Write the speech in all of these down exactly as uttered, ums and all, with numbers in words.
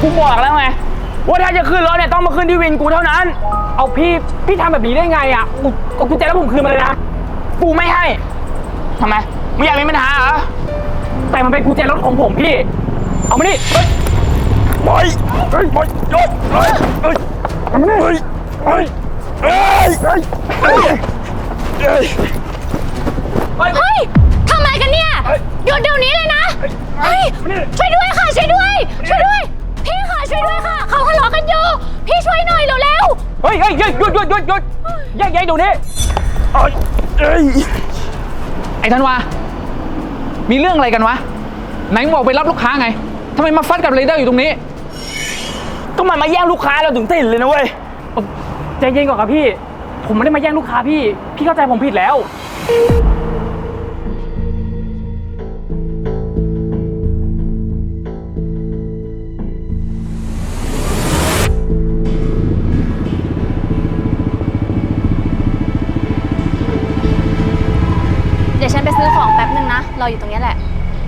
บอกแล้วไงว่าถ้าจะขึ้นรถเนี่ยต้องมาขึ้นที่วินกูเท่านั้นเอาพี่พี่ทำแบบนี้ได้ไงอ่ะกูกูแจ้งแล้วผมคืนมาเลยนะกูไม่ให้ทำไมมึงอยากมีปัญหาเหรอแต่มันเป็นกุญแจรถของผมพี่เอามานี่เฮ้ยบอยเฮ้ยบอยยกเฮ้ยเฮ้ยเอามานี่เฮ้ยเฮ้ยเฮ้ยเฮ้ยเฮ้ยเฮ้ยเฮ้ยทำอะไรกันเนี่ยหยุดเดี๋ยวนี้เลยนะเฮ้ยช่วยด้วยค่ะช่วยด้วยช่วยด้วยพี่ค่ะช่วยด้วยค่ะเขาทะเลาะกันอยู่พี่ช่วยหน่อยเร็วๆเฮ้ยเฮ้ยหยุดหยุดหยุดหยุดหยุดแยกแยกดูนี่เอ้ยเอ้ยไอ้ธันวามีเรื่องอะไรกันวะไหนมึงบอกไปรับลูกค้าไงทำไมมาฟัดกับเรเดอร์อยู่ตรงนี้ก็มันมาแย่งลูกค้าเราถึงติดเลยนะเว้ยใจเย็นก่อนครับพี่ผมไม่ได้มาแย่งลูกค้าพี่พี่เข้าใจผมผิดแล้วเดี๋ยวฉันไปซื้อของแป๊บนึงนะรออยู่ตรงนี้แหละ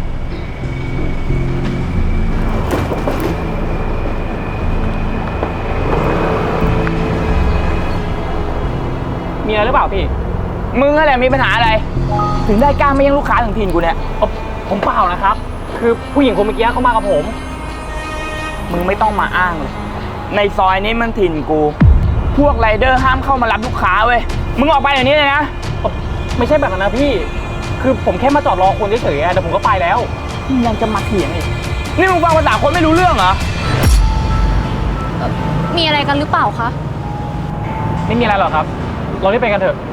มีอะไรหรือเปล่าพี่มึงอะไรมีปัญหาอะไรถึงได้กล้าไม่แย่งลูกค้าถึงถิ่นกูเนี่ยผมเปล่านะครับคือผู้หญิงคนเมื่อกี้เขามากับผมมึงไม่ต้องมาอ้างเลยในซอยนี้มันถิ่นกูพวกไรเดอร์ห้ามเข้ามารับลูกค้าเว้ยมึงออกไปอย่างนี้เลยนะไม่ใช่แบบนั้นนะพี่คือผมแค่มาจอดรอคนเฉยๆแต่ผมก็ไปแล้วมึงยังจะมาเถียงอีกนี่มึงฟังภาษาคนไม่รู้เรื่องเหรอมีอะไรกันหรือเปล่าคะไม่มีอะไรหรอกครับเรารีบไปกันเถอะ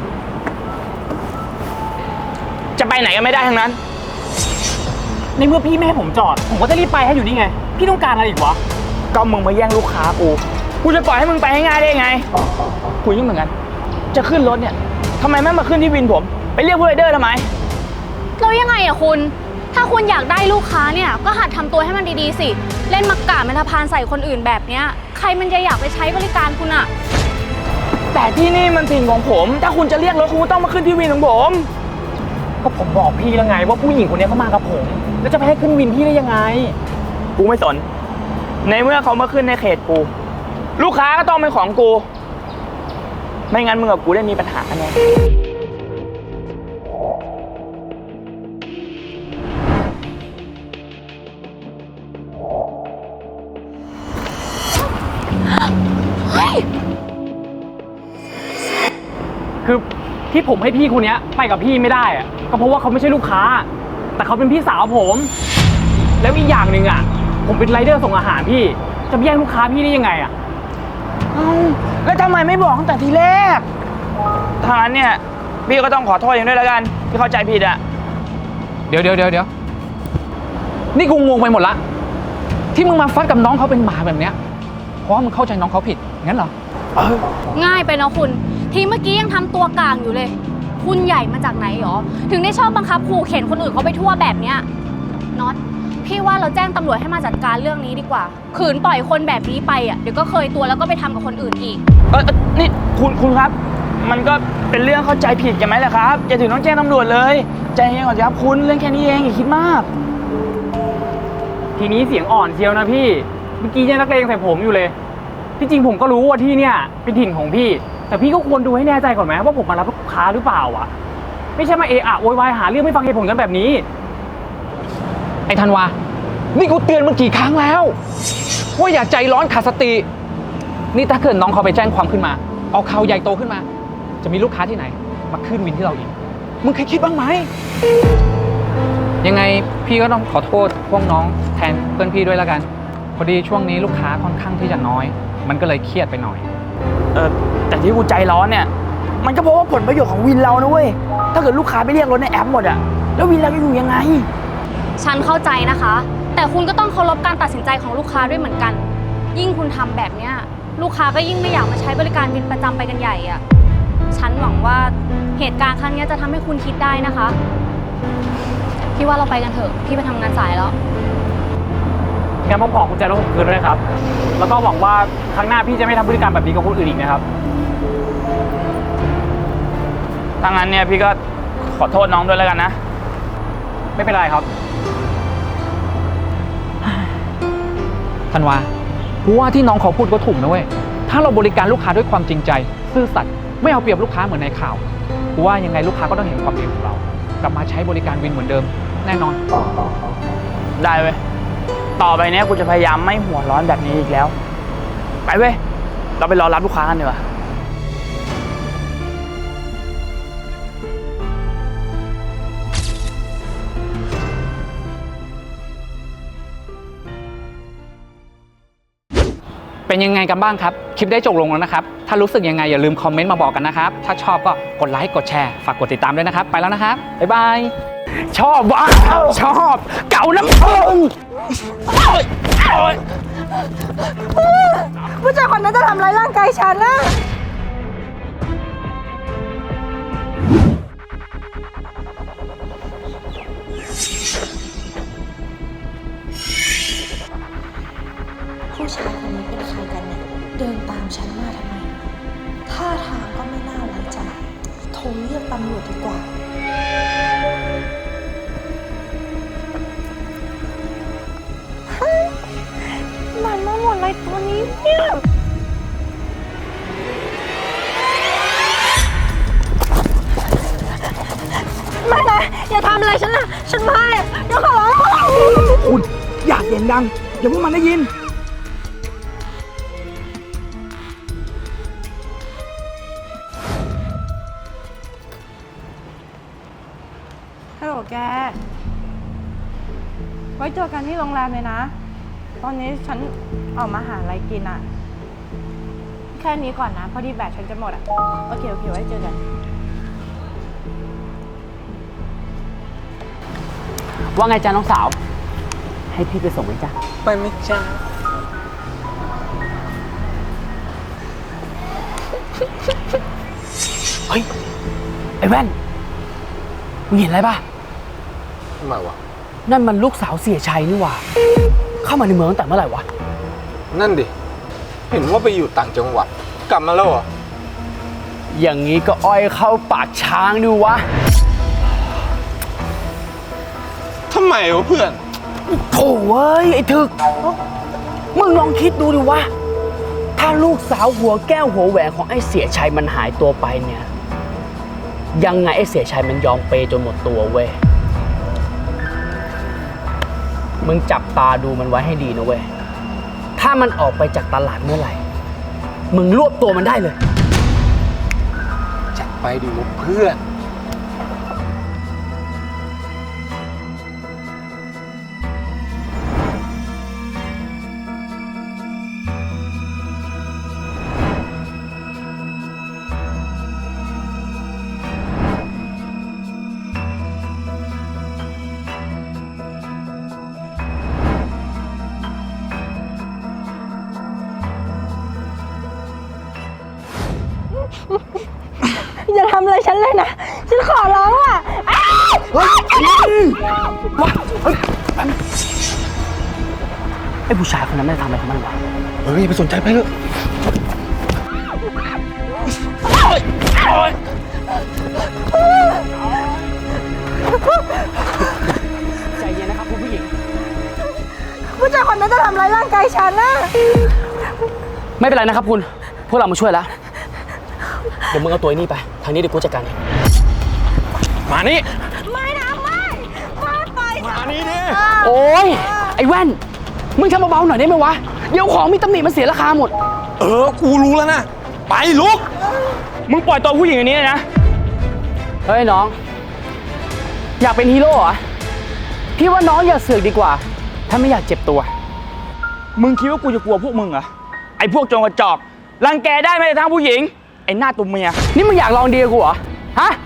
จะไปไหนก็ไม่ได้ทั้งนั้นในเมื่อพี่ไม่ให้ผมจอดผมก็จะรีบไปให้อยู่นี่ไงพี่ต้องการอะไรอีกวะก็มึงมาแย่งลูกค้ากูกูจะปล่อยให้มึงไปให้ง่ายได้ไงกูยิ่งเหมือนกันจะขึ้นรถเนี่ยทำไมไม่มาขึ้นที่วินผมไปเรียกผู้ไรเดอร์ทำไมแล้วยังไงอะคุณถ้าคุณอยากได้ลูกค้าเนี่ยก็หัดทำตัวให้มันดีๆสิเล่นมักกะเมตาพานใส่คนอื่นแบบเนี้ยใครมันจะอยากไปใช้บริการคุณอะแต่ที่นี่มันถิ่นของผมถ้าคุณจะเรียกรถคุณต้องมาขึ้นที่วินของผมก็ผมบอกพี่แล้วไงว่าผู้หญิงคนนี้เขามากับผมแล้วจะไปให้ขึ้นวินพี่ได้ยังไงกูไม่สนในเมื่อเขามาขึ้นในเขตกูลูกค้าก็ต้องเป็นของกูไม่งั้นมึงกับกูได้มีปัญหาแน่คือที่ผมให้พี่คนนี้ไปกับพี่ไม่ได้อะก็เพราะว่าเขาไม่ใช่ลูกค้าแต่เขาเป็นพี่สาวผมแล้วอีกอย่างหนึ่งอ่ะผมเป็นไรเดอร์ส่งอาหารพี่จะแย่งลูกค้าพี่ได้ยังไงอ่ะเอ้าแล้วทำไมไม่บอกตั้งแต่ทีแรกทางนั้นเนี่ยพี่ก็ต้องขอโทษอย่างด้วยแล้วกันที่เข้าใจผิดอ่ะเดี๋ยวเดี๋ยวเดี๋ยวเดี๋ยวนี่กูงงไปหมดละที่มึงมาฟัดกับน้องเขาเป็นหมาแบบเนี้ยเพราะว่ามึงเข้าใจน้องเขาผิดงั้นเหรอง่ายไปเนาะคุณทีเมื่อกี้ยังทำตัวกลางอยู่เลยคุณใหญ่มาจากไหนหรอถึงได้ชอบบังคับขู่เข็นคนอื่นเขาไปทั่วแบบเนี้ยน็อตพี่ว่าเราแจ้งตำรวจให้มาจัดการเรื่องนี้ดีกว่าขืนปล่อยคนแบบนี้ไปอ่ะเดี๋ยวก็เคยตัวแล้วก็ไปทำกับคนอื่นอีกเออนี่คุณคุณครับมันก็เป็นเรื่องเข้าใจผิดกันไหมล่ะครับอย่าถึงต้องแจ้งตำรวจเลยใจเย็นก่อนครับคุณเรื่องแค่นี้เองอย่าคิดมากทีนี้เสียงอ่อนเชียวนะพี่เมื่อกี้ยังนักเลงใส่ผมอยู่เลยที่จริงผมก็รู้ว่าที่เนี่ยเป็นถิ่นของพี่แต่พี่ก็ควรดูให้แน่ใจก่อนไหมว่าผมมารับลูกค้าหรือเปล่าอ่ะไม่ใช่มาเอะอะโวยวายหาเรื่องไม่ฟังเหตุผลกันแบบนี้ไอ้ธันวานี่กูเตือนมึงกี่ครั้งแล้วว่าอย่าใจร้อนขาดสตินี่ถ้าเกิดน้องเขาไปแจ้งความขึ้นมาเอาข่าวใหญ่โตขึ้นมาจะมีลูกค้าที่ไหนมาขึ้นวินที่เราอีกมึงเคยคิดบ้างไหมยังไงพี่ก็ต้องขอโทษพวกน้องแทนเพื่อนพี่ด้วยแล้วกันพอดีช่วงนี้ลูกค้าค่อนข้างที่จะน้อยมันก็เลยเครียดไปหน่อยเออแต่ที่กูใจร้อนเนี่ยมันก็เพราะว่าผลประโยชน์ของวินเรานะเว้ยถ้าเกิดลูกค้าไปเรียกรถในแอปหมดอะแล้ววินเราจะอยู่ยังไงฉันเข้าใจนะคะแต่คุณก็ต้องเคารพการตัดสินใจของลูกค้าด้วยเหมือนกันยิ่งคุณทำแบบเนี้ยลูกค้าก็ยิ่งไม่อยากมาใช้บริการวินประจำไปกันใหญ่อะฉันหวังว่าเหตุการณ์ครั้งนี้จะทำให้คุณคิดได้นะคะพี่ว่าเราไปกันเถอะพี่ไปทำงานสายแล้วงั้นผมขอกุญแจรถผมคืนด้วยครับแล้วก็หวังว่าครั้งหน้าพี่จะไม่ทำพฤติกรรมแบบนี้กับคนอื่นอีกนะครับถ้างั้นเนี่ยพี่ก็ขอโทษน้องด้วยแล้วกันนะไม่เป็นไรครับธันวากูว่าที่น้องเขาพูดก็ถูกนะเว้ย ถ้าเราบริการลูกค้าด้วยความจริงใจ ซื่อสัตย์ไม่เอาเปรียบลูกค้าเหมือนในข่าวกูว่ายังไงลูกค้าก็ต้องเห็นความดีของเรา กลับมาใช้บริการวินเหมือนเดิม แน่นอนได้เว้ย ต่อไปเนี้ยกูจะพยายามไม่หัวร้อนแบบนี้อีกแล้ว ไปเว้ย เราไปรอรับลูกค้ากันดีกว่าเป็นยังไงกันบ้างครับ คลิปได้จบลงแล้วนะครับ ถ้ารู้สึกยังไงอย่าลืมคอมเมนต์มาบอกกันนะครับ ถ้าชอบก็กดไลค์กดแชร์ฝากกดติดตามด้วยนะครับ ไปแล้วนะครับ บ๊ายบาย ชอบวะชอบ เก่าน้ำผึ้งผู้ชายคนนั้นจะทำร้ายร่างกายฉันนะผู้ชายคนนี้เป็นใครกันเนี่ย เดินตามฉันมาทำไม ท่าทางก็ไม่น่าไว้ใจ โทรเรียกตำรวจดีกว่า มันมาหมดเลยตัวนี้เนี่ยไม่นะอย่าทำอะไรฉันนะฉันไม่เดี๋ยวขอร้องคุณอยากเสียงดังอย่าพวกมันได้ยินฮัลโหลแก ไว้เจอกันที่โรงแรมเลยนะ ตอนนี้ฉันออกมาหาอะไรกินอ่ะ แค่นี้ก่อนนะ พอดีแบตฉันจะหมดอ่ะ โอเค โอเค ไว้เจอกันว่าไงจ้าน้องสาว ให้พี่ไปส่งไหมจ๊ะไปไหมจ้าเฮ้ย ไอ้แว่น มึงเห็นอะไรป่ะทำไมวะนั่นมันลูกสาวเสียชัยนี่หว่า เข้ามาในเมืองตั้งแต่เมื่อไหร่วะนั่นดิ เห็นว่าไปอยู่ต่างจังหวัด กลับมาแล้วเหรออย่างนี้ก็อ้อยเข้าปากช้างดิวะทำไมวะเพื่อนโถ่เว้ย ไอ้ถึก มึงลองคิดดูดิวะ ถ้าลูกสาวหัวแก้วหัวแหวนของไอ้เสียชัยมันหายตัวไปเนี่ย ยังไงไอ้เสียชัยมันยอมเปย์จนหมดตัวเว้ย มึงจับตาดูมันไว้ให้ดีนะเว้ย ถ้ามันออกไปจากตลาดเมื่อไหร่ มึงรวบตัวมันได้เลยจัดไปดิวะเพื่อนอย่าทำอะไรฉันเลยนะ ฉันขอร้องอ่ะไอ้ผู้ชายคนนั้นไม่ได้ทำอะไรของมันวะเฮ้ยไปสนใจไปเถอะใจเย็นนะครับคุณผู้หญิงผู้ชายคนนั้นจะทำร้ายร่างกายฉันนะไม่เป็นไรนะครับคุณ พวกเรามาช่วยแล้ว เดี๋ยวมึงเอาตัวนี้ไป ทางนี้เดี๋ยวกูจัดการเองมานี่ไม่นะไม่ไม่ไปมานี่ดิโอ้ย ไอ้แว่น มึงทำเบาๆหน่อยได้ไหมวะ เดี๋ยวของมีตำหนิมันเสียราคาหมดเออ กูรู้แล้วนะ ไปลุกมึงปล่อยตัวผู้หญิงอันนี้นะ เฮ้ยน้อง อยากเป็นฮีโร่เหรอ พี่ว่าน้องอย่าเสือกดีกว่า ถ้าไม่อยากเจ็บตัว มึงคิดว่ากูจะกลัวพวกมึงเหรอ ไอ้พวกโจงกระจอก รังแกได้ไม่แต่ทางผู้หญิง ไอ้หน้าตัวเมีย นี่มึงอยากลองดีกับกูเหรอ ฮะ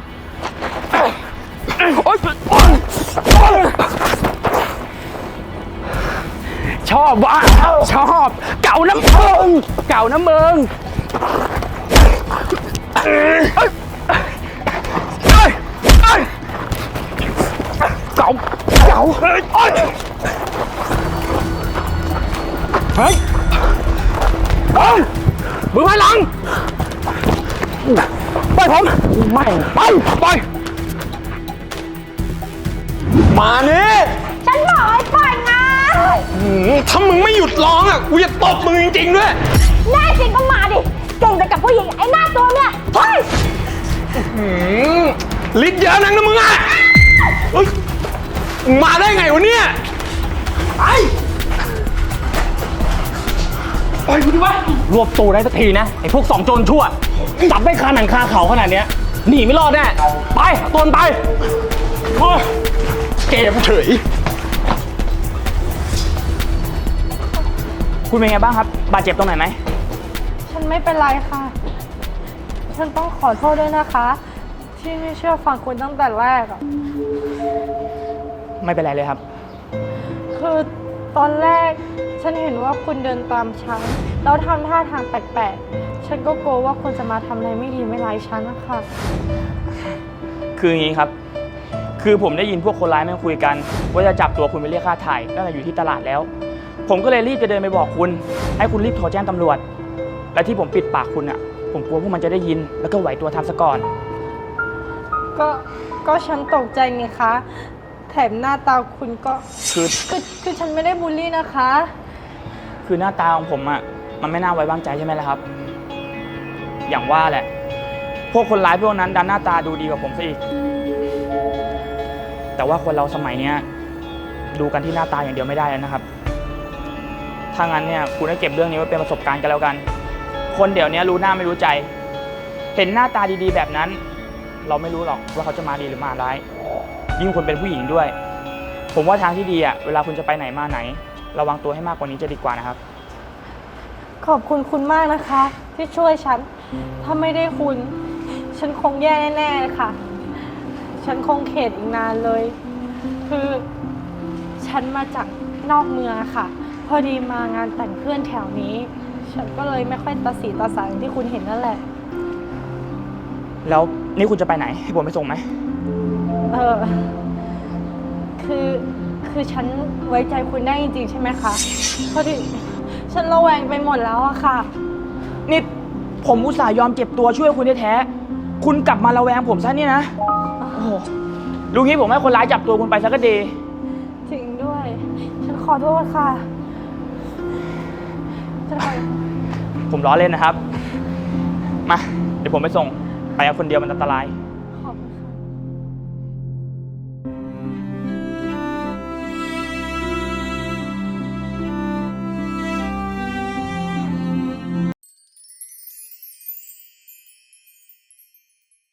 โอ๊ยชอบวะชอบ เก่าน้ำเพิงเก่าน้ำเมืองเก่าเก่าเฮ้ยเฮ้ยเฮ้ยมือพลังไปผมไม่ไปไปมานี่ฉันบอกให้ปล่อยไงมถ้ามึงไม่หยุดร้องอ่ะ กูจะตบมึงจริงๆด้วยแน่จริงก็มาดิ เก่งแต่กับผู้หญิงไอ้หน้าตัวเนี่ยเฮ้ยหืมลิ้นเยอะนักนะมึงอ่ะเฮ้ยมึงมาได้ไงวะเนี่ยไปไปกูดิวะรวบตัวได้สักทีนะไอ้พวกสองโจรชั่วจับไม่คาหนังคาเขาขนาดเนี้ยหนีไม่รอดแน่ไปตวนไปโอ้ยเกมเฉยคุณเป็นไงบ้างครับ บาดเจ็บตรงไหนไหมฉันไม่เป็นไรค่ะ ฉันต้องขอโทษด้วยนะคะ ที่ไม่เชื่อฟังคุณตั้งแต่แรกอะไม่เป็นไรเลยครับคือตอนแรกฉันเห็นว่าคุณเดินตามฉันแล้วทำท่าทางแปลกๆ ฉันก็กลัวว่าคุณจะมาทำอะไรไม่ดีไม่ร้ายฉันนะคะคืออย่างนี้ครับ คือผมได้ยินพวกคนร้ายแม่งคุยกัน ว่าจะจับตัวคุณไปเรียกค่าถ่ายตั้งแต่อยู่ที่ตลาดแล้ว ผมก็เลยรีบจะเดินไปบอกคุณ ให้คุณรีบโทรแจ้งตำรวจ และที่ผมปิดปากคุณอ่ะ ผมกลัวพวกมันจะได้ยิน แล้วก็ไหวตัวทันซะก่อนก็ก็ฉันตกใจไงคะ แถมหน้าตาคุณก็คือคือคือฉันไม่ได้บูลลี่นะคะคือหน้าตาของผมอ่ะ มันไม่น่าไว้วางใจใช่ไหมล่ะครับ อย่างว่าแหละ พวกคนร้ายพวกนั้นดันหน้าตาดูดีกว่าผมซะอีก แต่ว่าคนเราสมัยเนี้ยดูกันที่หน้าตาอย่างเดียวไม่ได้แล้วนะครับ ถ้างั้นเนี่ยคุณให้เก็บเรื่องนี้ไว้เป็นประสบการณ์กันแล้วกัน คนเดี๋ยวนี้รู้หน้าไม่รู้ใจ เห็นหน้าตาดีๆแบบนั้น เราไม่รู้หรอกว่าเขาจะมาดีหรือมาร้าย ยิ่งคนเป็นผู้หญิงด้วย ผมว่าทางที่ดีอ่ะเวลาคุณจะไปไหนมาไหน ระวังตัวให้มากกว่านี้จะดีกว่านะครับขอบคุณคุณมากนะคะ ที่ช่วยฉัน ถ้าไม่ได้คุณ ฉันคงแย่แน่ๆเลยค่ะ ฉันคงเข็ดอีกนานเลย คือฉันมาจากนอกเมืองอะค่ะ พอดีมางานแต่งเพื่อนแถวนี้ ฉันก็เลยไม่ค่อยตาสีตาสาอย่างที่คุณเห็นนั่นแหละแล้วนี่คุณจะไปไหนให้ผมไปส่งไหมเออ คือ คือฉันไว้ใจคุณได้จริงๆใช่ไหมคะ พอดีฉันระแวงไปหมดแล้วอะค่ะนี่ผมอุตส่าห์ยอมเจ็บตัวช่วยคุณแท้ๆคุณกลับมาระแวงผมซะเนี่ยนะ โอ้โหลุงนี้ผมให้คนร้ายจับตัวคุณไปซะก็ดีจริงด้วย ฉันขอโทษค่ะ ฉันขอผมล้อเล่นนะครับ มา เดี๋ยวผมไปส่ง ไปกับคนเดียวมันอันตราย